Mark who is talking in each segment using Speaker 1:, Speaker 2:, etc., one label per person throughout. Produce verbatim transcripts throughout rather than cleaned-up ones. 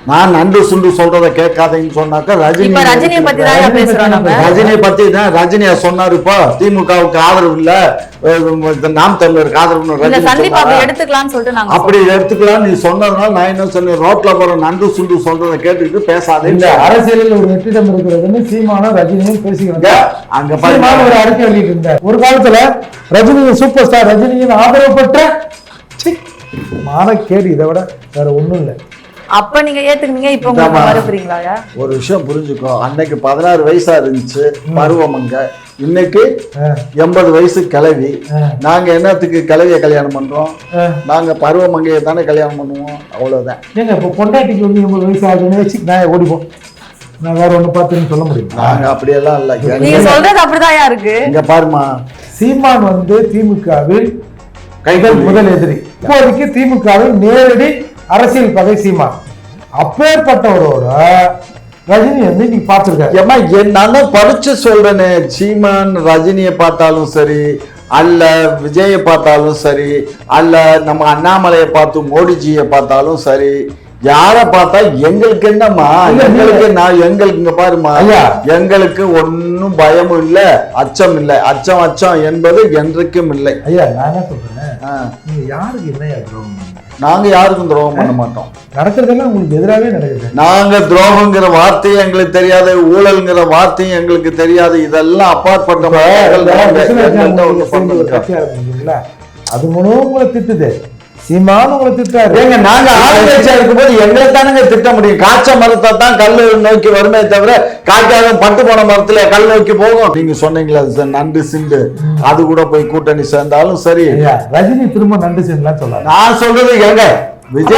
Speaker 1: நான் நண்டு சுண்டு சொல்றதை கேட்காதீங்கன்னு சொன்னாக்கா ரஜினி
Speaker 2: ரஜினியை பத்தி தான் பேசுறோம்.
Speaker 1: ரஜினியை பத்தி தான் ரஜினியா சொன்னாரு. இப்போ திமுகவுக்கு ஆதரவு இல்ல, நாம் தமிழருக்கு ஆதரவு
Speaker 2: எடுத்துக்கலாம்னு சொல்லிட்டு நாங்க
Speaker 1: அப்படி எடுத்துக்கலாம். நீ சொன்னதுனால நான் என்ன சொன்னேன், ரோட்ல போற நண்டு சுண்டு சொல்றதை கேட்டுக்கிட்டு பேசாதே.
Speaker 3: இந்த அரசியலில் ஒரு வெற்றிடம் இருக்கிறதுன்னு சீமானும் ரஜினியும் பேசிக்கிறாங்க.
Speaker 1: அங்க
Speaker 3: சீமான் ஒரு அறிக்கை வெளியிட்டு இருந்தார். ஒரு காலத்துல ரஜினி சூப்பர் ஸ்டார், ரஜினியின் ஆதரவு பெற்ற மானக்கேடு, இதை விட வேற ஒண்ணும் இல்லை.
Speaker 2: அப்ப நீங்க ஏத்துக்கினீங்க, இப்ப உங்களுக்கு மறுக்கிறீங்களா?
Speaker 1: ஒரு விஷயம் புரிஞ்சுக்கோ, அன்னைக்கு பதினாறு வயசா இருந்துச்சு பருவமங்க, இன்னைக்கு எண்பது வயசு கிளவி. நாங்க என்னத்துக்கு கிளவிய கல்யாணம் பண்றோம்? நாங்க பருவமங்கையை தானே கல்யாணம் பண்ணுவோம், அவ்வளவுதான். ஏங்க
Speaker 3: இப்போ பொண்டாட்டிக்கு வந்து எண்பது வயசு ஆகுதுன்னு வச்சு நான் ஓடிப்போம், நான் வேற ஒண்ணு பார்த்துன்னு சொல்ல முடியும்?
Speaker 1: நாங்க அப்படியெல்லாம் இல்ல.
Speaker 2: நீங்க சொல்றது அப்படிதான் இருக்கு.
Speaker 1: இங்க பாருமா,
Speaker 3: சீமான் வந்து திமுகவில் கைகள் முதல் எதிரி, இப்போதைக்கு திமுகவில் நேரடி அரசியல் பகை சீமான். அப்பேற்பட்டவரோட ரஜினி வந்து நீ பார்த்துருக்காரு.
Speaker 1: ஏமா நான் படிச்சு சொல்றேனே, சீமான் ரஜினியை பார்த்தாலும் சரி, அல்ல விஜயை பார்த்தாலும் சரி, அல்ல நம்ம அண்ணாமலையை பார்த்து மோடிஜியை பார்த்தாலும் சரி, யார பார்த்தா எங்களுக்கு என்னம்மா, எங்களுக்கு நான் எங்களுக்கு இங்க பாருமா, எங்களுக்கு ஒன்னும் பயமும் இல்ல, அச்சம் இல்லை. அச்சம் அச்சம் என்பது என்றைக்கும் இல்லை.
Speaker 3: ஐயா நான் என்ன சொல்றேன், நீங்க யாருக்கு என்ன துரோகம்?
Speaker 1: நாங்க யாருக்கும் துரோகம் பண்ண மாட்டோம்.
Speaker 3: நடக்கிறதெல்லாம் உங்களுக்கு எதிராகவே நடக்குது.
Speaker 1: நாங்க துரோகங்கிற வார்த்தையும் எங்களுக்கு தெரியாது, ஊழல்ங்கிற வார்த்தையும் எங்களுக்கு தெரியாது. இதெல்லாம் அப்பாற்பட்ட
Speaker 3: அது மூலம் உங்களை திட்டுது, சீமான் உங்களை திட்டாரு.
Speaker 1: ஏங்க நாங்க ஆளுங்கட்சியா இருக்கும்போது எங்களை தானுங்க திட்ட முடியும். காய்ச்ச மரத்தை தான் கல் நோக்கி வருமே தவிர காய்க்காத பட்டு போன மரத்துல கல் நோக்கி போகும். நீங்க சொன்னீங்களா நண்டு சிண்டு, அது கூட போய் கூட்டணி சேர்ந்தாலும் சரி.
Speaker 3: ரஜினி திரும்ப நண்டு சிண்டுலாம் சொல்ல நான்
Speaker 1: சொல்றது எங்க விஜய்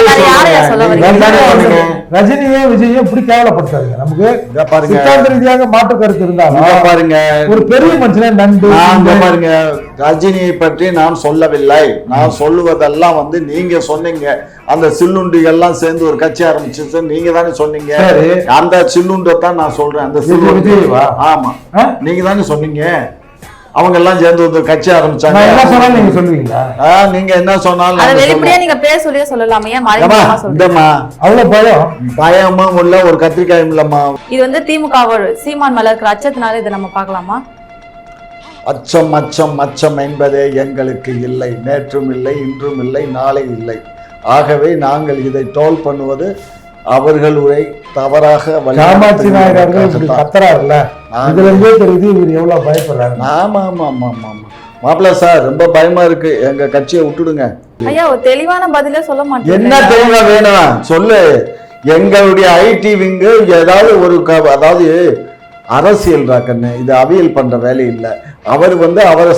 Speaker 3: ரஜினியும் விஜயும் இப்படி கேவலப்படுத்தாருங்க. நமக்கு சித்தாந்த ரீதியாக மாற்று கருத்து இருந்தாலும்
Speaker 1: பாருங்க,
Speaker 3: ஒரு பெரிய மனுஷனே நண்டு
Speaker 1: பாருங்க. ரஜினியை பற்றி நான் சொல்லவில்லை, நான் சொல்லுவதெல்லாம் வந்து நீங்க சொன்னீங்க. அந்த சில்லுண்டிகள்லாம் சேர்ந்து ஒரு கட்சி ஆரம்பிச்சு நீங்க தானே சொன்னீங்க. அந்த சில்லுண்டை தான் நான் சொல்றேன். அந்த சில்லுண்டி ஆமா நீங்க தானே சொன்னீங்க. அவங்க எல்லாம் சேர்ந்து ஒரு கட்சி ஆரம்பிச்சாங்க.
Speaker 3: என்ன சொன்னாலும் நீங்க சொல்லுவீங்களா?
Speaker 1: நீங்க என்ன சொன்னாலும்
Speaker 2: அத வெளிப்படையா நீங்க பேர் சொல்லியே சொல்லலாமே, மறைமுகமா சொல்றீங்க.
Speaker 3: அவ்வளவு பயம்
Speaker 1: பயமும் இல்ல, ஒரு கத்திரிக்காயும் இல்லம்மா.
Speaker 2: இது வந்து திமுக சீமான் மேல இருக்கிற அச்சத்தினால இதை நம்ம பார்க்கலாமா?
Speaker 1: அச்சம் அச்சம் அச்சம் என்பதே எங்களுக்கு இல்லை, நேற்றும் இல்லை, இன்றும் இல்லை, நாளை இல்லை. ஆகவே நாங்கள் இதை டோல் பண்ணுவது அவர்கள் உரை தவறாக.
Speaker 3: காமாட்சி நாயகர்கள் கத்துறாருல்ல, இதுல இருந்தே தெரியுது இவர் எவ்வளவு பயப்படுறாரு.
Speaker 1: ஆமா ஆமா ஆமா ஆமா ஆமா மாப்பிள்ள சார், ரொம்ப பயமா இருக்கு, எங்க கட்சியை விட்டுடுங்க.
Speaker 2: ஐயா ஒரு தெளிவான பதிலே சொல்ல மாட்டேன்.
Speaker 1: என்ன தெளிவா வேணும் சொல்லு. எங்களுடைய ஐடி விங்கு ஏதாவது ஒரு அதாவது அரசியல் ராக்கண்ணு, இது அவியல் பண்ற வேலை இல்லை. அவர் வந்து அவரை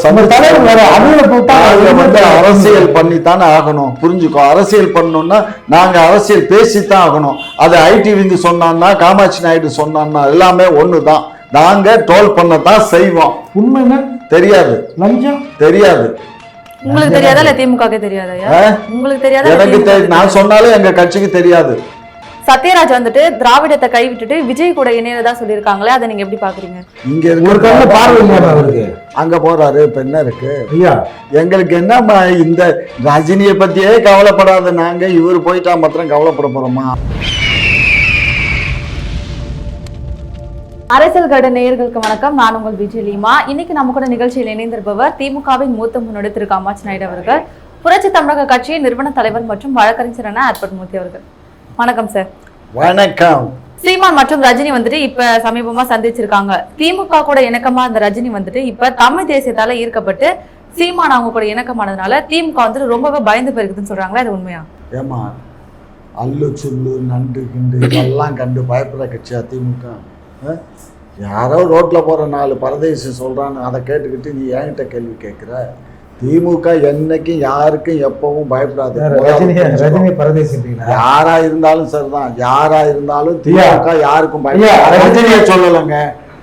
Speaker 1: வந்து அரசியல் பண்ணித்தானே ஆகணும், புரிஞ்சுக்கோ. அரசியல் பண்ணணும்னா நாங்க அரசியல் பேசித்தான் ஆகணும். அது ஐடி விங்கு சொன்னான்னா, காமாட்சி நாயுடு சொன்னான்னா எல்லாமே ஒண்ணுதான். நாங்க டோல் பண்ணத்தான் செய்வோம்.
Speaker 3: உண்மைன்னா தெரியாது,
Speaker 1: லஞ்சம் தெரியாது.
Speaker 2: உங்களுக்கு தெரியாதா இல்ல திமுக தெரியாதா? உங்களுக்கு தெரியாதா?
Speaker 1: எனக்கு நான் சொன்னாலும் எங்க கட்சிக்கு தெரியாது.
Speaker 2: சத்யராஜ் வந்துட்டு திராவிடத்தை கைவிட்டுட்டு விஜய் கூட இணையதா சொல்லியிருக்காங்களே, அதை நீங்க எப்படி பாக்குறீங்க?
Speaker 1: இங்க இருக்க பார்வை அங்க போறாரு, இப்ப என்ன இருக்கு எங்களுக்கு என்னம்மா? இந்த ரஜினியை பத்தியே கவலைப்படாத நாங்க, இவர் போயிட்டா மாத்திரம் கவலைப்பட போறோமா?
Speaker 2: அரசியல் கட நேயர்களுக்கு வணக்கம், நான் உங்கள் விஜயலீமா. இன்னைக்கு நம்ம கூட நிகழ்ச்சியில் இணைந்திருப்பவர் திமுகவின் மூத்த முன்னோடி திரு காமாட்சி நாயுடு அவர்கள், புரட்சி தமிழக கட்சியின் நிறுவன தலைவர் மற்றும் வழக்கறிஞரான அற்புதமூர்த்தி அவர்கள். வணக்கம் சார்.
Speaker 1: வணக்கம்.
Speaker 2: சீமான் மற்றும் ரஜினி வந்துட்டு இப்ப சமீபமா சந்திச்சிருக்காங்க. திமுக கூட இணக்கமா இந்த ரஜினி வந்துட்டு இப்ப தமிழ் தேசியத்தால ஈர்க்கப்பட்டு சீமான் அவங்க கூட இணக்கமானதுனால திமுக வந்துட்டு ரொம்பவே பயந்து போயிருக்குதுன்னு சொல்றாங்களா, அது உண்மையா?
Speaker 1: ஏமா அல்லு சுல்லு நண்டு கிண்டு இதெல்லாம் கண்டு பயப்படுற கட்சியா திமுக? யாரோ ரோட்ல போற நாலு பரதேசி சொல்றான்னு அதை கேட்டுக்கிட்டு நீ என்கிட்ட கேள்வி கேட்கிற? திமுக என்னைக்கும் யாருக்கும் எப்பவும் பயப்படாது. யாரா இருந்தாலும் சரிதான், யாரா இருந்தாலும் திமுக யாருக்கும் பயப்படாது. சொல்லலைங்க,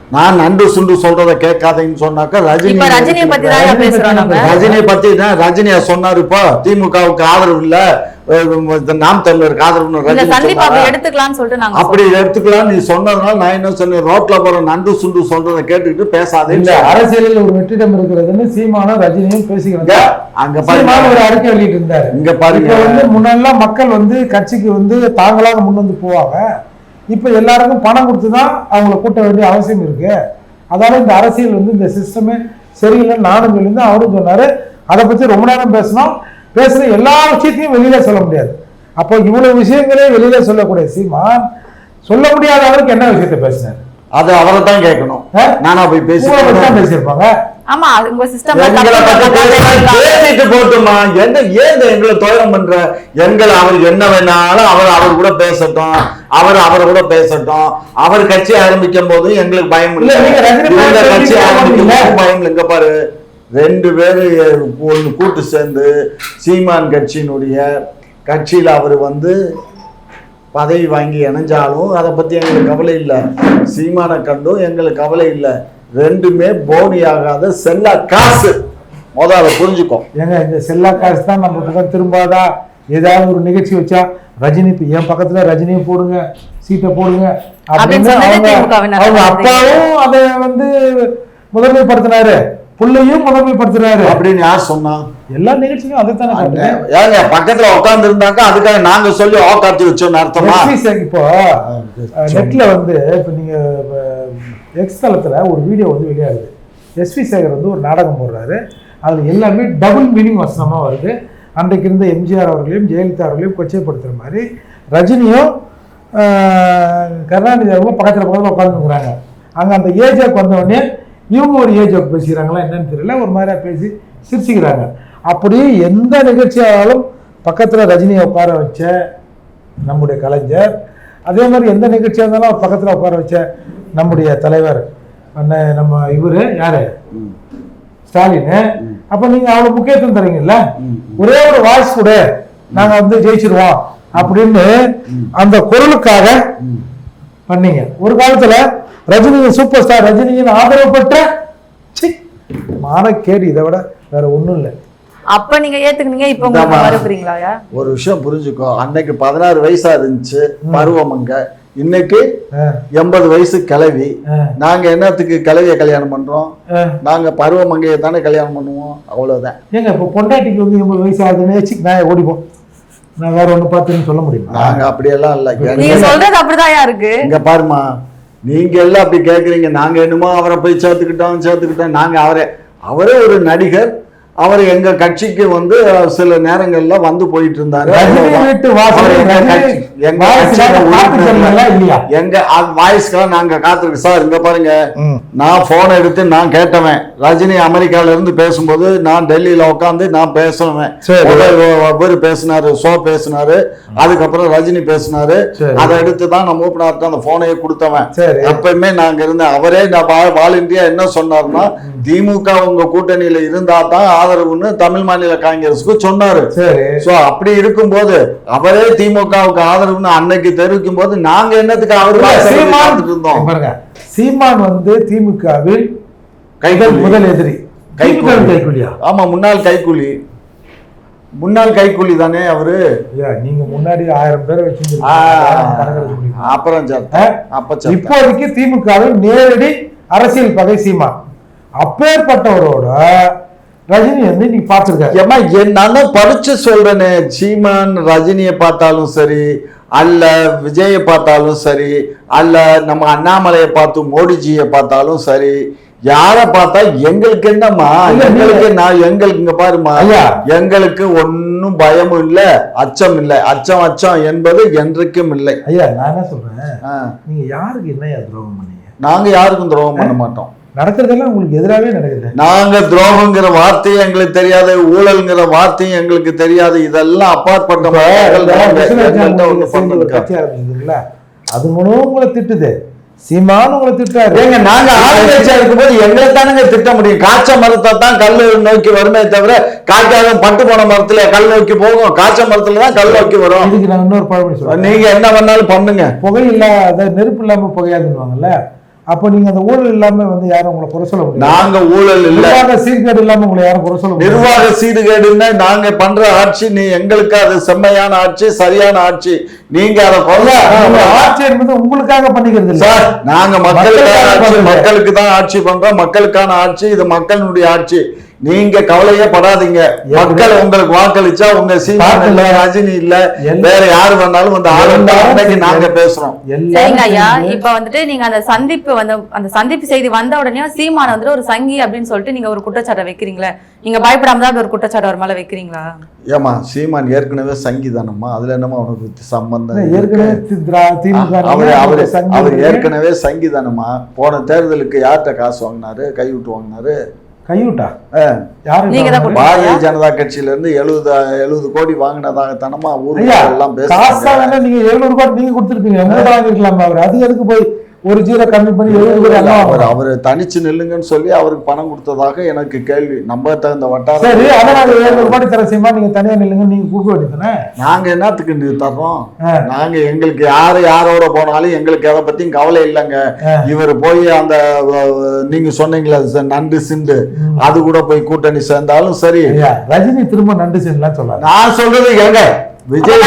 Speaker 1: நான் நண்டு சுண்டு சொல்றத கேட்காதீங்கன்னு சொன்னாக்க ரஜினி
Speaker 2: இப்ப ரஜினியை பத்தி தான் பேசுறோம் நம்ம.
Speaker 1: ரஜினியை பத்தி தான் ரஜினியா சொன்னாரு. இப்போ திமுகவுக்கு ஆதரவு இல்ல, நாம் தமிழருக்கு ஆதரவு
Speaker 2: சந்தீப் எடுத்துக்கலாம்னு சொல்லிட்டு நாங்க
Speaker 1: அப்படி எடுத்துக்கலாம் நீ சொன்னதுனால நான் என்ன சொன்னேன், ரோட்ல போற நண்டு சுண்டு சொல்றத கேட்டுக்கிட்டு பேசாதே.
Speaker 3: இல்ல அரசியலில் ஒரு வெற்றிடம் இருக்கிறதுன்னு சீமானும் ரஜினியும் பேசிக்கிறாங்க.
Speaker 1: அங்க
Speaker 3: சீமான் ஒரு அறிக்கை வெளியிட்டு இருந்தாரு.
Speaker 1: இங்க பாருங்க,
Speaker 3: வந்து முன்னெல்லாம் மக்கள் வந்து கட்சிக்கு வந்து தாங்களாக முன் வந்து போவாங்க. இப்ப எல்லாருக்கும் பணம் கொடுத்துதான் அவங்களை கூட்ட வேண்டிய அவசியம் இருக்கு. அதனால இந்த அரசியல் வந்து இந்த சிஸ்டமே சரியில்லைன்னு நானும் சொல்லியிருந்தேன், அவரும் சொன்னாரு. அதை பத்தி ரொம்ப நேரம் பேசணும். பேசுற எல்லா விஷயத்தையும் வெளியில சொல்ல முடியாது. அப்போ இவ்வளவு விஷயங்களே வெளியில சொல்லக்கூடிய சீமான் சொல்ல முடியாத அளவுக்கு என்ன விஷயத்த பேசினாரு?
Speaker 1: அது அவரை தான் கேட்கணும். நானா போய் பேசி
Speaker 3: பேசியிருப்பாங்க.
Speaker 2: ஆமா, உங்க சிஸ்டம்
Speaker 1: பேசிட்டு போட்டுமா, என்ன ஏன் எங்களை துயரம் பண்ற? எங்களை அவர் என்ன வேணாலும் அவர் அவர் கூட பேசட்டும், அவர் அவரை கூட பேசட்டும். அவர் கட்சி ஆரம்பிக்கும் போது எங்களுக்கு பயம் இல்லை, கட்சி ஆரம்பிக்கும் போது பயம் இல்லை. இங்க பாரு, ரெண்டு பேரு ஒன்று கூட்டு சேர்ந்து சீமான் கட்சியினுடைய கட்சியில் அவர் வந்து பதவி வாங்கி இணைஞ்சாலும் அதை பற்றி எங்களுக்கு கவலை இல்லை. சீமானை கண்டும் எங்களுக்கு கவலை இல்லை. ரெண்டுமே போனி ஆகாத செல்லா காசு. முதல்ல புரிஞ்சுக்கோ.
Speaker 3: ஏங்க இந்த செல்லா காசு தான் நம்ம பக்கம் திரும்பாதா? ஏதாவது ஒரு நிகழ்ச்சி வச்சா ரஜினி என் பக்கத்துல ரஜினியை போடுங்க, சீட்டை போடுங்க அப்படின்னு அவங்க அப்பாவும் அதை வந்து முதன்மைப்படுத்தினாரு, புள்ளையும் முதன்மைப்படுத்துறாரு. அப்படின்னு யார் சொன்னா? எல்லா நிகழ்ச்சியும் அதைத்தானே.
Speaker 1: ஏங்க பக்கத்துல உட்கார்ந்து இருந்தாங்க, அதுக்காக நாங்க சொல்லி ஆக்காத்தி வச்சோம் அர்த்தமா?
Speaker 3: இப்போ நெட்ல வந்து இப்ப நீங்க எக்ஸ் தளத்துல ஒரு வீடியோ வந்து வெளியாகுது. எஸ்வி சேகர் வந்து ஒரு நாடகம் போடுறாரு. அதுல எல்லாமே டபுள் மீனிங் வசனமா வருது. அன்றைக்கு இருந்த எம்ஜிஆர் அவர்களையும் ஜெயலலிதா அவர்களையும் கொச்சைப்படுத்துற மாதிரி ரஜினியும் கருணாநிதி அவர்களும் பக்கத்துல பக்கத்துல உட்காந்துருக்குறாங்க. அங்க அந்த ஏஜாக்கு வந்தவொடனே இவங்க ஒரு ஏஜாக்கு பேசிக்கிறாங்களா என்னன்னு தெரியல, ஒரு மாதிரியா பேசி சிரிச்சுக்கிறாங்க. அப்படி எந்த நிகழ்ச்சியாலும் பக்கத்துல ரஜினியை உட்கார வச்ச நம்முடைய கலைஞர், அதே மாதிரி எந்த நிகழ்ச்சியாக இருந்தாலும் அவர் பக்கத்துல உட்கார வச்ச நம்முடைய தலைவர் நம்ம இவரு யாரு ஸ்டாலின். அப்ப நீங்க அவ்வளவு முக்கியத்துவம் தரீங்கல்ல, ஒரே ஒரு வாய்ஸ் கூட நாங்க வந்து ஜெயிச்சிருவோம் அப்படின்னு அந்த குரலுக்காக பண்ணீங்க. ஒரு காலத்துல ரஜினியின் சூப்பர் ஸ்டார் ரஜினியின் ஆதரவு பெற்ற மானக்கேடு, இதை விட வேற ஒண்ணும் இல்லை.
Speaker 2: அப்ப நீங்க ஏத்துக்கினீங்க, இப்ப உங்களுக்கு மறுபறீங்களா?
Speaker 1: ஒரு விஷயம் புரிஞ்சுக்கோ, அன்னைக்கு பதினாறு வயசா இருந்துச்சு பருவமங்க, இன்னைக்கு எண்பது வயசு கிளவி. நாங்க என்னத்துக்கு கிளவிய கல்யாணம் பண்றோம்? நாங்க பருவமங்கையை தானே கல்யாணம் பண்ணுவோம், அவ்வளவுதான்.
Speaker 3: ஏங்க இப்ப பொண்டாட்டிக்கு வந்து எண்பது வயசு ஆகுதுன்னு நான் ஓடிப்போம், நான் வேற ஒண்ணு பார்த்துன்னு சொல்ல முடியும்?
Speaker 1: நாங்க அப்படியெல்லாம் இல்ல.
Speaker 2: நீங்க சொல்றது அப்படிதான் இருக்கு.
Speaker 1: இங்க பாருமா, நீங்க எல்லாம் அப்படி கேக்குறீங்க. நாங்க என்னமோ அவரை போய் சேர்த்துக்கிட்டோம் சேர்த்துக்கிட்டோம் நாங்க அவரே அவரே ஒரு நடிகர். அவர் எங்க கட்சிக்கு வந்து சில நேரங்கள்ல வந்து போயிட்டு இருந்தாரு. எங்க வாய்ஸ்க்கெல்லாம் நாங்க காத்திருக்கு சார். இங்க பாருங்க, நான் போனை எடுத்து நான் கேட்டவன். ரஜினி அமெரிக்கால இருந்து பேசும்போது நான் டெல்லியில உட்காந்து நான் பேசுவேன். இவர் பேசினாரு, ஷோ பேசினாரு, அதுக்கப்புறம் ரஜினி பேசினாரு. அதை எடுத்து தான் நான் மூப்பனாருக்கு அந்த போனையே கொடுத்தவன். எப்பயுமே நாங்க இருந்தேன். அவரே நான் வால் இந்தியா என்ன சொன்னாருன்னா, திமுக உங்க கூட்டணியில இருந்தா தான் ஆதரவுன்னு தமிழ் மாநில காங்கிரஸுக்கு சொன்னாரு. சோ அப்படி இருக்கும்போது அவரே திமுகவுக்கு ஆதரவுன்னு அன்னைக்கு தெரிவிக்கும் போது நாங்க என்னத்துக்கு அவரு இருந்தோம்?
Speaker 3: சீமான் வந்து திமுகவில் கைகள் முதல் எதிரி, கைக்கூலியா?
Speaker 1: ஆமா, முன்னாள் கைக்கூலி. முன்னாள் கைக்கூலி தானே அவரு.
Speaker 3: நீங்க முன்னாடி ஆயிரம் பேரை வச்சு
Speaker 1: அப்புறம்
Speaker 3: இப்போதைக்கு திமுகவில் நேரடி அரசியல் பகை சீமான். அப்பேற்பட்டவரோட ரஜினி வந்து நீ பார்த்துருக்காரு.
Speaker 1: ஏமா நான் படிச்சு சொல்றேனே, சீமான் ரஜினியை பார்த்தாலும் சரி, அல்ல விஜயை பார்த்தாலும் சரி, அல்ல நம்ம அண்ணாமலையை பார்த்து மோடிஜியை பார்த்தாலும் சரி, யார பார்த்தா எங்களுக்கு என்னம்மா, எங்களுக்கு நான் எங்களுக்கு இங்க பாருமா, எங்களுக்கு ஒன்னும் பயமும் இல்ல, அச்சம் இல்லை. அச்சம் அச்சம் என்பது என்றைக்கும் இல்லை.
Speaker 3: ஐயா நான் என்ன சொல்றேன், நீங்க யாருக்கு என்ன துரோகம் பண்ணீங்க?
Speaker 1: நாங்க யாருக்கும் துரோகம் பண்ண மாட்டோம்.
Speaker 3: நடக்கிறதெல்லாம் உங்களுக்கு எதிராகவே நடக்குது.
Speaker 1: நாங்க துரோகங்கிற வார்த்தையும் எங்களுக்கு தெரியாது, ஊழல்ங்கிற வார்த்தையும் எங்களுக்கு தெரியாது. இதெல்லாம் அப்பாற்பட்ட
Speaker 3: கட்சி ஆரம்பிச்சதுங்களா, அது மூலம் உங்களை திட்டுது. சீமான் உங்களை திட்டாரு.
Speaker 1: ஏங்க நாங்க ஆளுங்கட்சியா இருக்கும்போது எங்களை தானுங்க திட்ட முடியும். காய்ச்ச மரத்தை தான் கல் நோக்கி வருமே தவிர, காய்க்காத பட்டு போன மரத்துல கல் நோக்கி போகும், காய்ச்ச மரத்துல தான் கல் நோக்கி வரும்.
Speaker 3: இதுக்கு நான் இன்னொரு பழமொழி சொல்றேன்,
Speaker 1: நீங்க என்ன பண்ணாலும் பண்ணுங்க,
Speaker 3: புகை இல்லாத நெருப்பு இல்லாம புகையாதுன்னுவாங்கல்ல. அப்போ நீங்க அந்த ஊழல் இல்லாம வந்து யாரும் உங்களை குறை சொல்ல முடியாது.
Speaker 1: நாங்க ஊழல் இல்ல,
Speaker 3: நிர்வாக சீர்கேடு இல்லாம உங்களை யாரும் குறை சொல்ல முடியாது.
Speaker 1: நிர்வாக சீர்கேடுன்னா நாங்க பண்ற ஆட்சி, நீ எங்களுக்கு அது செம்மையான ஆட்சி, சரியான ஆட்சி. நீங்க அதை கொள்ள
Speaker 3: ஆட்சி என்பது உங்களுக்காக பண்ணிக்கிறது இல்ல
Speaker 1: சார். நாங்க மக்களுக்கான ஆட்சி,
Speaker 3: மக்களுக்காக
Speaker 1: மக்களுக்கு தான் ஆட்சி பண்றோம். மக்களுக்கான ஆட்சி, இது மக்களுடைய ஆட்சி. நீங்க கவலையே படாதீங்க. மக்கள் உங்களுக்கு வாக்களிச்சா உங்க சீமான் இல்ல, ரஜினி இல்ல, வேற யாரு வந்தாலும் வந்து ஆளுநர் நாங்க பேசுறோம்.
Speaker 2: சரிங்க ஐயா, இப்ப வந்துட்டு நீங்க அந்த சந்திப்பு வந்து அந்த சந்திப்பு செய்தி வந்த உடனே சீமான வந்துட்டு ஒரு சங்கி அப்படின்னு சொல்லிட்டு நீங்க ஒரு குற்றச்சாட்டை வைக்கிறீங்களா? நீங்க பயப்படாம தான் ஒரு குற்றச்சாட்டு அவர் மேல வைக்கிறீங்களா?
Speaker 1: ஏமா சீமான் ஏற்கனவே சங்கிதானம்மா, அதுல என்னமா அவனுக்கு சம்பந்தம்?
Speaker 3: ஏற்கனவே
Speaker 1: அவர் அவரு அவர் ஏற்கனவே சங்கிதானம்மா. போன தேர்தலுக்கு யார்கிட்ட காசு வாங்கினாரு, கைவிட்டு வாங்கினாரு?
Speaker 3: கைவிட்டா
Speaker 1: பாரதிய ஜனதா கட்சியில இருந்து எழுபது எழுபது கோடி வாங்கினதாக தனமா ஊர்ல எல்லாம்
Speaker 3: பேசுறாங்க. நீங்க எழுநூறு கோடி நீங்க கொடுத்துருப்பீங்க, வாங்கிருக்கலாம். அவர் அது எதுக்கு போய் ஒரு ஜீரோ கம்மி பண்ணி
Speaker 1: அவர் அவர் தனிச்சு நில்லுங்கன்னு சொல்லி அவருக்கு பணம் கொடுத்ததாக எனக்கு கேள்வி. நம்ம தகுந்த வட்டாரம்.
Speaker 3: சரி, அதனால எழுநூறு கோடி தர செய்யுமா, நீங்க தனியா நில்லுங்க நீங்க கொடுக்க வேண்டியதுதானே.
Speaker 1: நாங்க என்னத்துக்கு தர்றோம்? நாங்க எங்களுக்கு யாரு யாரோட போனாலும் எங்களுக்கு எதை பத்தியும் கவலை இல்லைங்க. இவர் போய் அந்த நீங்க சொன்னீங்களா நண்டு சிண்டு, அது கூட போய் கூட்டணி சேர்ந்தாலும் சரி.
Speaker 3: ரஜினி திரும்ப நண்டு சிண்டுலாம் சொல்ல நான்
Speaker 1: சொல்றது ஏங்க, விஜய்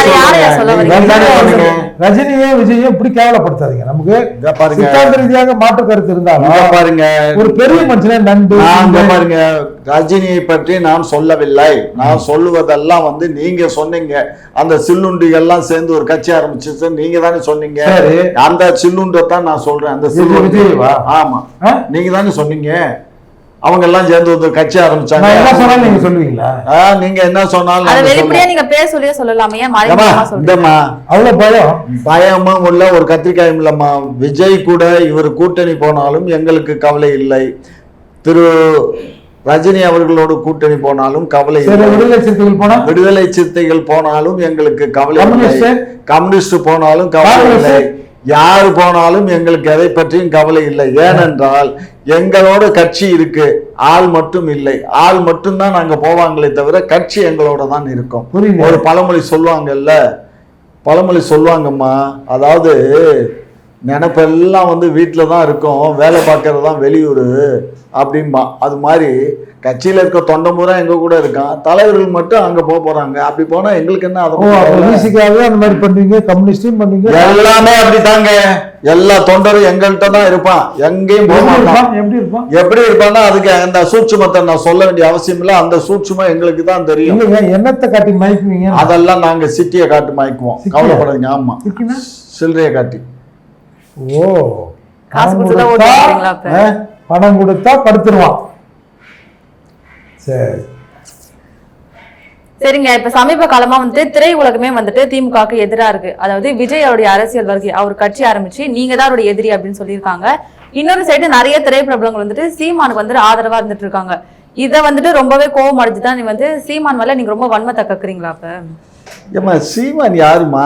Speaker 3: ரஜினியே விஜயும் இப்படி கேவலப்படுத்தாதீங்க. நமக்கு சித்தாந்த ரீதியாக மாற்று கருத்து இருந்தாலும்
Speaker 1: பாருங்க,
Speaker 3: ஒரு பெரிய மனுஷனே நண்டு
Speaker 1: பாருங்க. ரஜினியை பற்றி நான் சொல்லவில்லை. நான் சொல்லுவதெல்லாம் வந்து நீங்க சொன்னீங்க. அந்த சில்லுண்டிகள்லாம் சேர்ந்து ஒரு கட்சி ஆரம்பிச்சு நீங்க தானே சொன்னீங்க. அந்த சில்லுண்டை தான் நான் சொல்றேன். அந்த சில்லுண்டி ஆமா நீங்க தானே சொன்னீங்க. அவங்க எல்லாம் சேர்ந்து ஒரு கட்சி ஆரம்பிச்சாங்க.
Speaker 3: என்ன சொன்னாலும் நீங்க சொல்லுவீங்களா?
Speaker 1: நீங்க என்ன சொன்னாலும்
Speaker 2: அத வெளிப்படையா நீங்க பேர் சொல்லியே சொல்லலாமே.
Speaker 1: இந்தம்மா
Speaker 3: அவ்வளவு பயம்
Speaker 1: பயமும் உள்ள ஒரு கத்திரிக்காயும் இல்லம்மா. விஜய் கூட இவர் கூட்டணி போனாலும் எங்களுக்கு கவலை இல்லை. திரு ரஜினி அவர்களோடு கூட்டணி போனாலும் கவலை இல்லை.
Speaker 3: விடுதலை சிறுத்தைகள் போனா
Speaker 1: விடுதலை சிறுத்தைகள் போனாலும் எங்களுக்கு கவலை இல்லை. கம்யூனிஸ்ட் போனாலும் கவலை இல்லை. யாரு போனாலும் எங்களுக்கு எதை பற்றியும் கவலை இல்லை. ஏனென்றால் எங்களோட கட்சி இருக்கு, ஆள் மட்டும் இல்லை. ஆள் மட்டும்தான் நாங்க போவாங்களே தவிர கட்சி எங்களோட தான் இருக்கும். ஒரு பழமொழி சொல்லுவாங்கல்ல, பழமொழி சொல்லுவாங்கம்மா, அதாவது நினைப்பெல்லாம் வந்து வீட்டில் தான் இருக்கும், வேலை பார்க்கறது தான் வெளியூர் அப்படின்பா. அது மாதிரி கட்சியில இருக்க தொண்டை முறை எங்க கூட இருக்கான், தலைவர்கள் மட்டும் அங்க போக போறாங்க. அப்படி போனா எங்களுக்கு என்ன?
Speaker 3: அதை அந்த மாதிரி பண்ணுவீங்க, கம்யூனிஸ்டும் பண்ணுவீங்க,
Speaker 1: எல்லாமே அப்படித்தாங்க. எல்லா தொண்டரும் எங்கள்கிட்ட தான் இருப்பான், எங்கேயும் போக மாட்டான்.
Speaker 3: எப்படி இருப்பான்?
Speaker 1: எப்படி இருப்பான்னா அதுக்கு அந்த சூட்சுமத்தை நான் சொல்ல வேண்டிய அவசியம் இல்லை. அந்த சூட்சுமம் எங்களுக்கு தான் தெரியும்.
Speaker 3: என்னத்தை காட்டி மயக்குவீங்க?
Speaker 1: அதெல்லாம் நாங்க சிட்டியை காட்டி மயக்குவோம், கவலைப்படுங்க. ஆமா, சில்லறையை காட்டி.
Speaker 3: ஓ, பணம் கொடுத்தா படுத்துருவான். சரி
Speaker 2: சரிங்க. இப்ப சமீப காலமா வந்துட்டு திரை உலகமே வந்துட்டு திமுகவுக்கு எதிராக இருக்கு. அதாவது விஜய் அவருடைய அரசியல் வருகை, அவர் கட்சி ஆரம்பிச்சு நீங்க தான் அவருடைய எதிரி அப்படின்னு சொல்லியிருக்காங்க. இன்னொரு சைடு நிறைய திரைப்பிரபலங்கள் வந்துட்டு சீமானுக்கு வந்துட்டு ஆதரவா இருந்துட்டு இருக்காங்க. இதை வந்துட்டு ரொம்பவே கோவம் அடைஞ்சுதான் நீ வந்து சீமான் மேல நீங்க ரொம்ப வன்மத்தை கக்குறீங்களா? அப்ப
Speaker 1: ஏமா சீமான் யாருமா?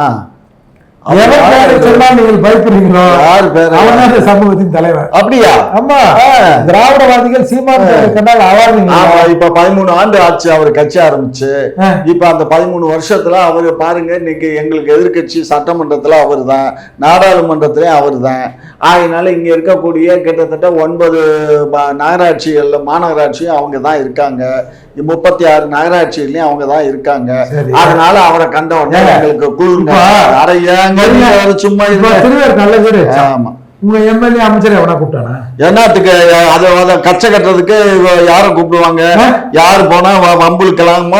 Speaker 3: சமூகத்தின் தலைவர்.
Speaker 1: அப்படியா?
Speaker 3: ஆமா, திராவிடவாதிகள் சீமான்
Speaker 1: இப்ப பதிமூணு ஆண்டு ஆச்சு அவர் கட்சி ஆரம்பிச்சு. இப்ப அந்த பதிமூணு வருஷத்துல அவரு பாருங்க, இன்னைக்கு எங்களுக்கு எதிர்கட்சி சட்டமன்றத்துல அவர் தான், நாடாளுமன்றத்திலயும் அவர் தான். அதனால இங்க இருக்கக்கூடிய கிட்டத்தட்ட ஒன்பது நகராட்சிகள்ல மாநகராட்சியும் அவங்க தான் இருக்காங்க. முப்பத்தி ஆறு நகராட்சியிலயும் அவங்க தான் இருக்காங்க. அதனால அவரை கண்ட உடனே எங்களுக்கு குளிர்ங்க. சும்மா
Speaker 3: நல்ல பேரு. ஆமா, உங்க எம்எல்ஏ அமைச்சர் எவனா கூப்பிட்டானா?
Speaker 1: என்னத்துக்கு அதை அதை கச்சை கட்டுறதுக்கு யாரை கூப்பிடுவாங்க? யாரு போனா வம்புலுக்கலாமோ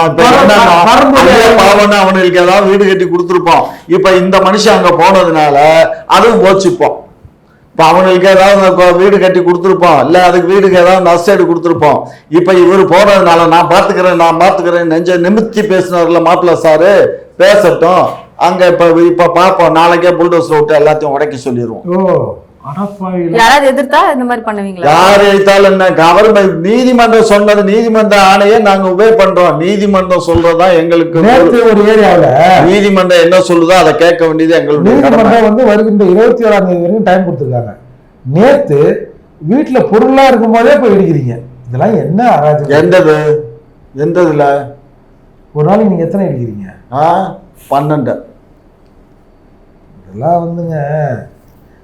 Speaker 1: அவனுக்கு ஏதாவது வீடு கட்டி கொடுத்துருப்போம். இப்ப இந்த மனுஷன் அங்க போனதுனால அதுவும் போச்சுப்போம். இப்ப அவனுக்கு ஏதாவது வீடு கட்டி கொடுத்துருப்போம், இல்ல அதுக்கு வீடுக்கு ஏதாவது நஷ்டேடு கொடுத்துருப்போம். இப்ப இவர் போனதுனால நான் பாத்துக்கிறேன் நான் பாத்துக்கிறேன் நெஞ்ச நிமித்தி பேசினார்ல மாப்பிள்ள சாரு, பேசட்டும். அங்க இப்ப இப்ப பாப்போம், நாளைக்கே புல்டோசர் விட்டு எல்லாத்தையும் உடைக்க சொல்லிடுவோம்.
Speaker 2: யாராவது எதிர்த்தா இந்த மாதிரி பண்ணுவீங்களா?
Speaker 1: யார் எதிர்த்தாலும் என்ன, கவர்மெண்ட் நீதிமன்றம் சொன்னது, நீதிமன்ற ஆணையை நாங்க உபயோக பண்றோம். நீதிமன்றம் சொல்றதா எங்களுக்கு
Speaker 3: ஒரு ஏரியாவில்
Speaker 1: நீதிமன்றம் என்ன சொல்லுதோ அதை கேட்க வேண்டியது எங்களுக்கு.
Speaker 3: நீதிமன்றம் வந்து வருகின்ற இருபத்தி ஏழாம் தேதி வரைக்கும் டைம் கொடுத்துருக்காங்க. நேத்து வீட்டுல பொருளா இருக்கும் போதே போய் இடிக்கிறீங்க. இதெல்லாம் என்ன அராஜகம்?
Speaker 1: எந்தது எந்ததுல?
Speaker 3: ஒரு நாளைக்கு நீங்க எத்தனை இடிக்கிறீங்க?
Speaker 1: ஆ பன்னெண்டு.
Speaker 3: இதெல்லாம் வந்துங்க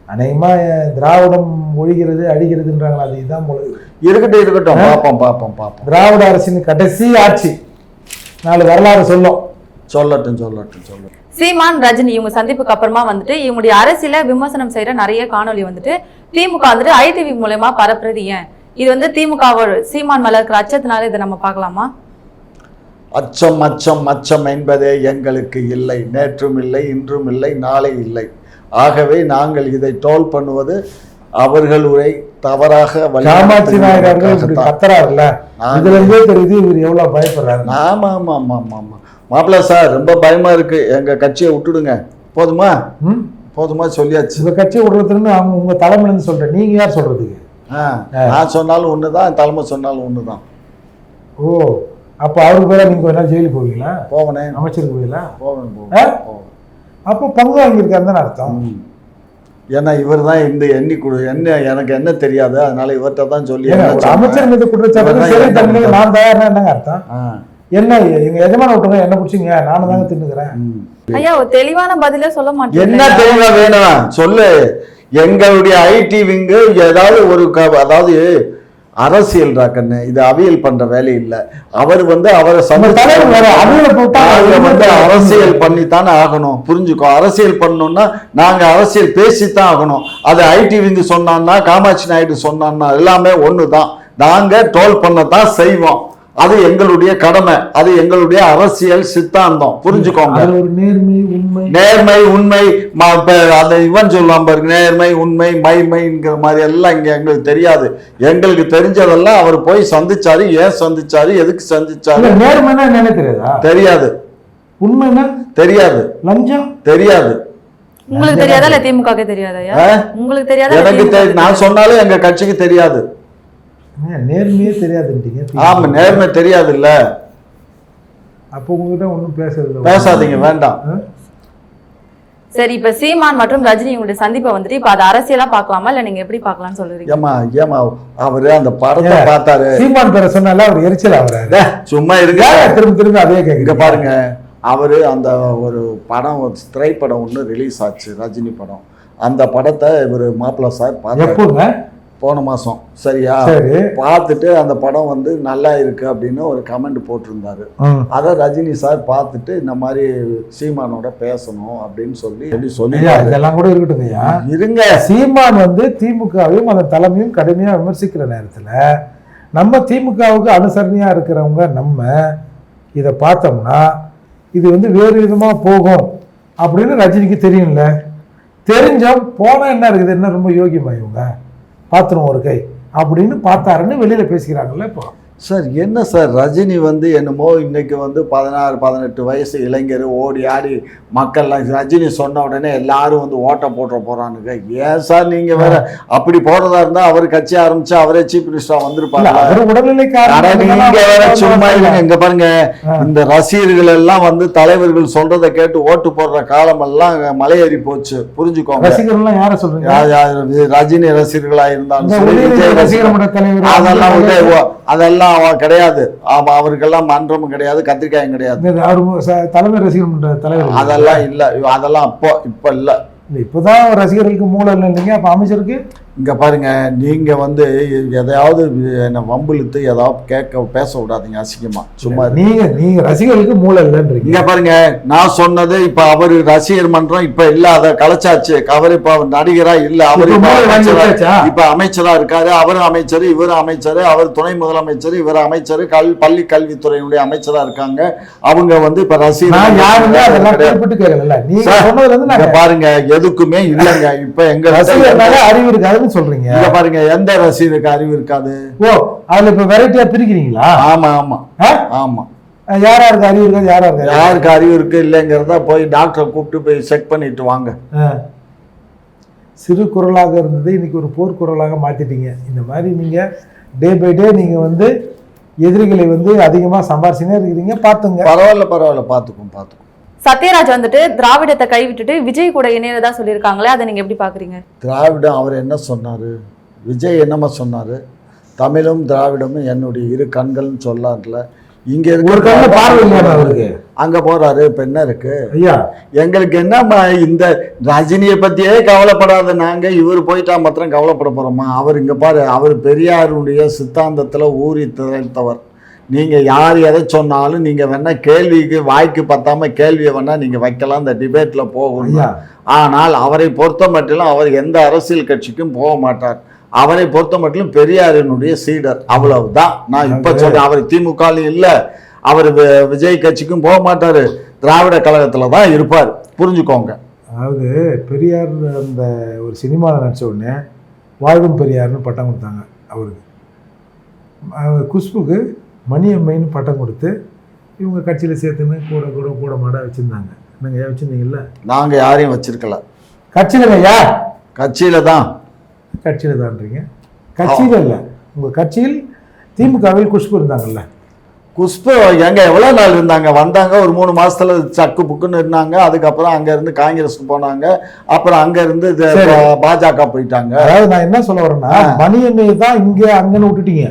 Speaker 3: அநேகமாக திராவிடம் ஒழிகிறது அழிகிறதுன்றாங்களா, அது இதுதான் போல இருக்கு.
Speaker 1: இருக்கட்டும் இருக்கட்டும், பார்ப்போம் பார்ப்போம் பார்ப்போம்.
Speaker 3: திராவிட அரசின் கடைசி ஆட்சி நாலு வரலாறு சொல்லும்.
Speaker 1: சொல்லட்டும் சொல்லட்டும் சொல்லட்டும்.
Speaker 2: சீமான் ரஜினி இவங்க சந்திப்புக்கு அப்புறமா வந்துட்டு இவங்களுடைய அரசியல விமர்சனம் செய்யற நிறைய காணொலி வந்துட்டு திமுக வந்துட்டு ஐடிவி மூலமா பரப்புறது ஏன்? இது வந்து திமுக சீமான் மேல இருக்கிற அச்சத்தினால இதை நம்ம பார்க்கலாமா?
Speaker 1: அச்சம் அச்சம் அச்சம் என்பதே எங்களுக்கு இல்லை, நேற்றும் இல்லை, இன்றும் இல்லை, நாளை இல்லை. ஆகவே நாங்கள் இதை டோல் பண்ணுவது அவர்களுடைய தவறாக
Speaker 3: காமாட்சி நாயர் அவர்கள் இப்படி கத்துறாருல்ல, இதுல இருந்தே தெரியுது இவர் எவ்வளவு பயப்படுறாரு.
Speaker 1: ஆமா ஆமா ஆமா ஆமா ஆமா மாப்பிள்ள சார், ரொம்ப பயமா இருக்கு, எங்க கட்சியை விட்டுடுங்க. போதுமா போதுமா சொல்லியாச்சு.
Speaker 3: உங்க கட்சியை விடுறதுன்னு அவங்க உங்க தலைமையில இருந்து சொல்றேன், நீங்க யார் சொல்றதுக்கு?
Speaker 1: நான் சொன்னாலும் ஒண்ணுதான், தலைமை சொன்னாலும் ஒண்ணுதான்.
Speaker 3: ஓ, அப்ப அவருக்கு பேர நீங்க ஒரு நாள் ஜெயிலுக்கு போவீங்களா?
Speaker 1: போவனே.
Speaker 3: அமைச்சருக்கு போவீங்களா?
Speaker 1: போவேன் போவேன்.
Speaker 3: அப்போ பங்கு வாங்கியிருக்காரு தானே அர்த்தம்.
Speaker 1: ஏன்னா இவர் தான் இந்த எண்ணி கொடு என்ன எனக்கு என்ன தெரியாது, அதனால இவர்கிட்ட தான் சொல்லி.
Speaker 3: அமைச்சர் மீது குற்றச்சாட்டு நான் தயார்னா என்னங்க அர்த்தம்? என்ன எங்க எஜமான விட்டுங்க, என்ன பிடிச்சிங்க, நானும் தாங்க தின்னுக்கிறேன்.
Speaker 2: ஐயா ஒரு தெளிவான பதிலே சொல்ல மாட்டேன்.
Speaker 1: என்ன தெளிவா வேணும் சொல்லு. எங்களுடைய ஐடி விங்கு ஏதாவது ஒரு அதாவது அரசியல் கண்ணு, இது அவியல் பண்ற வேலை இல்லை. அவர் வந்து அவரை வந்து அரசியல் பண்ணித்தானே ஆகணும், புரிஞ்சுக்கோ. அரசியல் பண்ணணும்னா நாங்க அரசியல் பேசித்தான் ஆகணும். அது ஐடி விங்கு சொன்னான்னா காமாட்சி நாயுடு சொன்னான்னா எல்லாமே ஒண்ணுதான். நாங்க டோல் பண்ணத்தான் செய்வோம், அது எங்களுடைய கடமை, அது எங்களுடைய அரசியல் சித்தாந்தம், புரிஞ்சுக்கோங்க.
Speaker 3: நேர்மை உண்மை
Speaker 1: நேர்மை உண்மை அந்த இவன் சொல்லலாம் பாருங்க, நேர்மை உண்மை மைமைங்கிற மாதிரி எல்லாம் இங்க எங்களுக்கு தெரியாது. எங்களுக்கு தெரிஞ்சதெல்லாம் அவர் போய் சந்திச்சாரு, ஏன் சந்திச்சாரு, எதுக்கு சந்திச்சாரு.
Speaker 3: நேர்மைனா என்ன தெரியாதா?
Speaker 1: தெரியாது.
Speaker 3: உண்மைனா தெரியாது. லஞ்சம் தெரியாது.
Speaker 2: உங்களுக்கு தெரியாதா இல்ல திமுக தெரியாதா? உங்களுக்கு தெரியாதா?
Speaker 1: எனக்கு நான் சொன்னாலும் எங்க கட்சிக்கு தெரியாது.
Speaker 3: நேர்மையே தெரியாதுன்றீங்க.
Speaker 1: ஆமா, நேர்மை தெரியாது இல்ல.
Speaker 3: அப்போ உங்ககிட்ட ஒன்றும் பேசுறது
Speaker 1: பேசாதீங்க, வேண்டாம்.
Speaker 2: சரி, இப்ப சீமான் மற்றும் ரஜினி உங்களுடைய சந்திப்பை வந்துட்டு இப்ப அது அரசியலா பார்க்கலாமா இல்ல நீங்க எப்படி பார்க்கலாம்னு சொல்றீங்க?
Speaker 1: ஏமா ஏமா அவரு அந்த படத்தை பார்த்தாரு,
Speaker 3: சீமான் பேரை சொன்னால அவர் எரிச்சல் ஆகுறாரு.
Speaker 1: சும்மா இருக்க,
Speaker 3: திரும்ப திரும்ப அதே கேட்க
Speaker 1: பாருங்க. அவரு அந்த ஒரு படம், ஒரு திரைப்படம் ஒன்று ரிலீஸ் ஆச்சு, ரஜினி படம். அந்த படத்தை இவர் மாப்பிள்ள சார் பார்த்தாரு போன மாசம், சரியா? பார்த்துட்டு அந்த படம் வந்து நல்லா இருக்கு அப்படின்னு ஒரு கமெண்ட் போட்டிருந்தாரு. அதை ரஜினி சார் பார்த்துட்டு இந்த மாதிரி சீமானோட பேசணும் அப்படின்னு சொல்லி சொல்லி
Speaker 3: இதெல்லாம் கூட இருக்கட்டுங்கய்யா,
Speaker 1: இருங்க.
Speaker 3: சீமான் வந்து திமுகவையும் அந்த தலைமையும் கடுமையா விமர்சிக்கிற நேரத்துல நம்ம திமுகவுக்கு அனுசரணையா இருக்கிறவங்க நம்ம இதை பார்த்தோம்னா இது வந்து வேறு விதமா போகும் அப்படின்னு ரஜினிக்கு தெரியும்ல. தெரிஞ்சோம் போனா என்ன இருக்குது, என்ன ரொம்ப யோகியமா இவங்க பார்த்துருவோம் ஒரு கை அப்படின்னு பார்த்தாருன்னு வெளியில் பேசிக்கிறாங்கல்ல. இப்போ
Speaker 1: சார் என்ன சார், ரஜினி வந்து என்னமோ இன்னைக்கு வந்து பதினாறு பதினெட்டு வயசு இளைஞர் ஓடி ஆடி மக்கள்லாம் ரஜினி சொன்ன உடனே எல்லாரும் வந்து ஓட்ட போட்டுற போறானுங்க. ஏன் சார் நீங்க வேற அப்படி போறதா இருந்தா அவர் கட்சி ஆரம்பிச்சு அவரே சீஃப் மினிஸ்டரா வந்திருப்பாங்க. நீங்க வேற சும்மா இல்லைங்க. இங்க பாருங்க, இந்த ரசிகர்கள் எல்லாம் வந்து தலைவர்கள் சொல்றதை கேட்டு ஓட்டு போடுற காலம் எல்லாம் மலையேறி போச்சு, புரிஞ்சுக்கோங்க.
Speaker 3: ரசிகர்கள் யார சொல்றீங்க?
Speaker 1: ரஜினி ரசிகர்களா இருந்தாலும் அதெல்லாம் அதெல்லாம் கிடையாது. அவருக்கெல்லாம் மன்றமும் கிடையாது, கத்திரிக்காயும் கிடையாது,
Speaker 3: தலைமை ரசிகர் தலைவர்
Speaker 1: அதெல்லாம் இல்ல. அதெல்லாம் அப்போ இப்ப இல்ல.
Speaker 3: இப்பதான் ரசிகர்களுக்கு மூலம் இல்லை இல்லைங்க. அப்ப அமைச்சருக்கு
Speaker 1: இங்க பாருங்க, நீங்க வந்து எதையாவது என்ன வம்பிழுத்து ஏதாவது கேட்க பேச விடாதீங்க அசிங்கமா. சும்மா
Speaker 3: நீங்க நீங்க ரசிகர்களுக்கு மூலம் இல்லைன்றீங்க.
Speaker 1: இங்க பாருங்க, நான் சொன்னது இப்ப அவரு ரசிகர் மன்றம் இப்ப இல்ல, அதை கலைச்சாச்சு. அவர் இப்ப அவர் நடிகரா இல்ல, அவரு இப்ப அமைச்சரா இருக்காரு. அவரும் அமைச்சர், இவரும் அமைச்சர், அவர் துணை முதலமைச்சர், இவர் அமைச்சர், கல் பள்ளி கல்வித்துறையினுடைய அமைச்சரா இருக்காங்க. அவங்க வந்து இப்ப ரசிகர் பாருங்க எதுக்குமே இல்லைங்க. இப்ப எங்க
Speaker 3: அறிவு இருக்காது சொல்றீங்க.
Speaker 1: பாருங்க, எந்த ரசிகருக்கு அறிவு இருக்காது?
Speaker 3: ஓ, அதுல இப்ப வெரைட்டியா பிரிக்கிறீங்களா?
Speaker 1: ஆமா ஆமா ஆமா.
Speaker 3: யாரா இருக்கு அறிவு இருக்காது, யாரா இருக்கு
Speaker 1: யாருக்கு அறிவு இருக்கு இல்லைங்கிறத போய் டாக்டரை கூப்பிட்டு போய் செக் பண்ணிட்டு வாங்க.
Speaker 3: சிறு குரலாக இருந்தது இன்னைக்கு ஒரு போர் குரலாக மாத்திட்டீங்க. இந்த மாதிரி நீங்க டே பை டே நீங்க வந்து எதிரிகளை வந்து அதிகமா சம்பாரிச்சுனே இருக்கிறீங்க. பாத்துங்க.
Speaker 1: பரவாயில்ல பரவாயில்ல, பாத்துக்கும் பாத்துக்கும்.
Speaker 2: சத்யராஜ் வந்துட்டு திராவிடத்தை கைவிட்டுட்டு விஜய் கூட இணையதா சொல்லியிருக்காங்களே, அதை நீங்க எப்படி பாக்குறீங்க?
Speaker 1: திராவிடம் அவர் என்ன சொன்னாரு, விஜய் என்னமா சொன்னாரு, தமிழும் திராவிடமும் என்னுடைய இரு கண்கள்னு சொல்லார்ல. இங்க
Speaker 3: ஒரு கண்ணு பார்வை இல்லையா அவருக்கு?
Speaker 1: அங்க போறாரு, இப்ப என்ன இருக்கு
Speaker 3: ஐயா?
Speaker 1: எங்களுக்கு என்னம்மா இந்த ரஜினியை பத்தியே கவலைப்படாத நாங்க, இவர் போயிட்டா மாத்திரம் கவலைப்பட போறோமா? அவர் இங்க பாரு, அவர் பெரியாருடைய சித்தாந்தத்துல ஊறி திளைத்தவர். நீங்க யார் எதை சொன்னாலும் நீங்க வேணா கேள்விக்கு வாய்க்கு பத்தாம கேள்வியை வேணா நீங்க வைக்கலாம், இந்த டிபேட்ல போகணும். ஆனால் அவரை பொறுத்த மட்டிலும் அவர் எந்த அரசியல் கட்சிக்கும் போக மாட்டார். அவரை பொறுத்த மட்டிலும் பெரியாரினுடைய சீடர், அவ்வளவுதான். நான் இப்ப சொல்றேன், அவர் திமுக இல்ல, அவர் விஜய் கட்சிக்கும் போக மாட்டாரு, திராவிட கழகத்துல தான் இருப்பார், புரிஞ்சுக்கோங்க.
Speaker 3: அதாவது பெரியார் அந்த ஒரு சினிமாவில் நடிச்ச உடனே வாழ்வும் பெரியார்னு பட்டம் கொடுத்தாங்க அவருக்கு. குஷ்புக்கு மணியம்மைன்னு பட்டம் கொடுத்து இவங்க கட்சியில் சேர்த்துன்னு கூட கூட கூட மாட வச்சுருந்தாங்க. நீங்கள் ஏன் வச்சுருந்தீங்கல்ல?
Speaker 1: நாங்கள் யாரையும் வச்சிருக்கல.
Speaker 3: கட்சியில் ஐயா?
Speaker 1: கட்சியில தான்.
Speaker 3: கட்சியில் தான்றீங்க? கட்சியில் இல்லை, உங்கள் கட்சியில் திமுகவில் குஷ்பு இருந்தாங்கல்ல?
Speaker 1: குஷ்பு எங்க எவ்வளோ நாள் இருந்தாங்க? வந்தாங்க, ஒரு மூணு மாசத்துல சக்கு புக்குன்னு இருந்தாங்க. அதுக்கப்புறம் அங்க இருந்து காங்கிரஸ்க்கு போனாங்க, அப்புறம் அங்க இருந்து பாஜக போயிட்டாங்க.
Speaker 3: அதாவது நான் என்ன சொல்ல வரேன்னா, மணியம்மையை தான் இங்கே அங்கன்னு விட்டுட்டீங்க.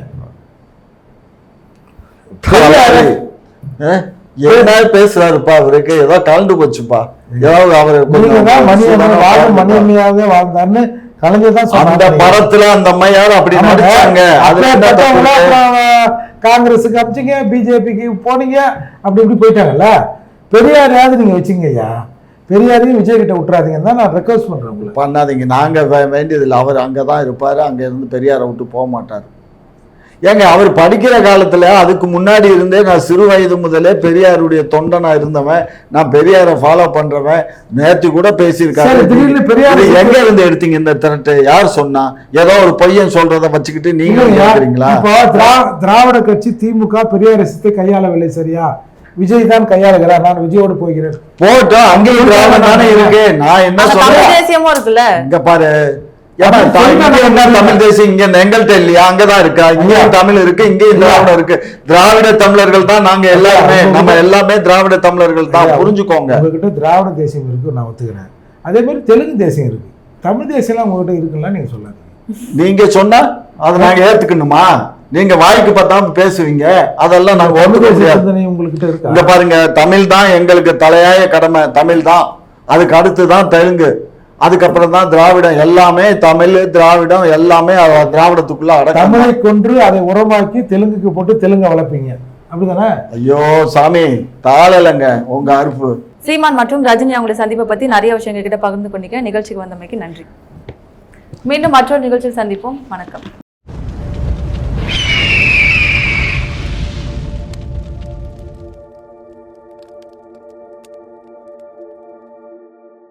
Speaker 1: என்ன பேசுறாருப்பா, அவருக்கு ஏதோ கலந்து போச்சுப்பா. ஏதாவது அவரு
Speaker 3: மணியம்மையாவே வாழ்ந்தாருன்னு கலைஞர் தான்
Speaker 1: அந்த படத்துல அந்த அம்மையார் அப்படி நடிச்சாங்க.
Speaker 3: காங்கிரஸுக்கு அமிச்சிங்க, பிஜேபிக்கு போனீங்க, அப்படி இப்படி போயிட்டாங்கல்ல. பெரியாரையாவது நீங்க வச்சுங்க ஐயா, பெரியாரையும் விஜய் கிட்ட விட்டுறாதீங்கன்னு தான் நான் ரெக்வஸ்ட் பண்றேன். உங்களுக்கு
Speaker 1: பண்ணாதீங்க, நாங்க வேண்டியதில்லை. அவர் அங்கதான் இருப்பாரு, அங்க இருந்து பெரியாரை விட்டு போக மாட்டாரு. ஏங்க அவர் படிக்கிற காலத்துல அதுக்கு முன்னாடி இருந்தே நான் சிறு வயது முதலே பெரியாருடைய தொண்டனா இருந்தவன், நான் பெரியாரை ஃபாலோ பண்றவன். நேற்று கூட பேசியிருக்காரு. பெரியார் எங்க இருந்து எடுத்தீங்க இந்த திரட்டு? யார் சொன்னா? ஏதோ ஒரு பையன் சொல்றத வச்சுக்கிட்டு நீங்க கேக்குறீங்களா?
Speaker 3: திராவிட கட்சி திமுக பெரியார் சித்தை கையாளவில்லை, சரியா? விஜய் தான் கையாளுகிறார், நான் விஜயோடு போகிறேன்.
Speaker 1: போட்டோம், அங்கேயும் திராவிடம் தானே இருக்கு. நான் என்ன சொல்றேன்,
Speaker 2: தேசியமும் இருக்குல்ல.
Speaker 1: இங்க பாரு, தமிழ் தேசியம் இங்க எங்கள்கிட்ட இல்லையா? அங்கதான் இருக்கா? இங்கேயும் தமிழ் இருக்கு, இங்கேயும் திராவிடம் இருக்கு. திராவிட தமிழர்கள் தான் நாங்க எல்லாருமே, நம்ம எல்லாமே திராவிட தமிழர்கள் தான், புரிஞ்சுக்கோங்க.
Speaker 3: உங்ககிட்ட திராவிட தேசியம் இருக்கு, நான் ஒத்துக்கிறேன். அதே மாதிரி தெலுங்கு தேசியம் இருக்கு. தமிழ் தேசியம் உங்ககிட்ட இருக்குன்னா நீங்க சொல்லாதீங்க.
Speaker 1: நீங்க சொன்னா அதை நாங்க ஏத்துக்கணுமா? நீங்க வாய்க்கு பார்த்தாம பேசுவீங்க, அதெல்லாம் நாங்க ஒண்ணுக்க முடியாது.
Speaker 3: உங்ககிட்ட இருக்கு.
Speaker 1: இங்க பாருங்க, தமிழ் தான் எங்களுக்கு தலையாய கடமை, தமிழ் தான். அதுக்கு அடுத்து தான் தெலுங்கு, அதுக்கப்புறம் தான் திராவிடம். எல்லாமே தமிழ் திராவிடம் எல்லாமே திராவிடத்துக்குள்ள அடக்கம்.
Speaker 3: தமிழை கொன்று அதை உரமாக்கி தெலுங்குக்கு போட்டு தெலுங்க வளர்ப்பீங்க, அப்படிதானே?
Speaker 1: ஐயோ சாமி, தாளலங்க உங்க அறுப்பு.
Speaker 2: சீமான் மற்றும் ரஜினி அவங்களுடைய சந்திப்பை பத்தி நிறைய விஷயங்கள் கிட்ட பகிர்ந்து கொண்டீங்க. நிகழ்ச்சிக்கு வந்தமைக்கு நன்றி. மீண்டும் மற்றொரு நிகழ்ச்சியில் சந்திப்போம். வணக்கம்.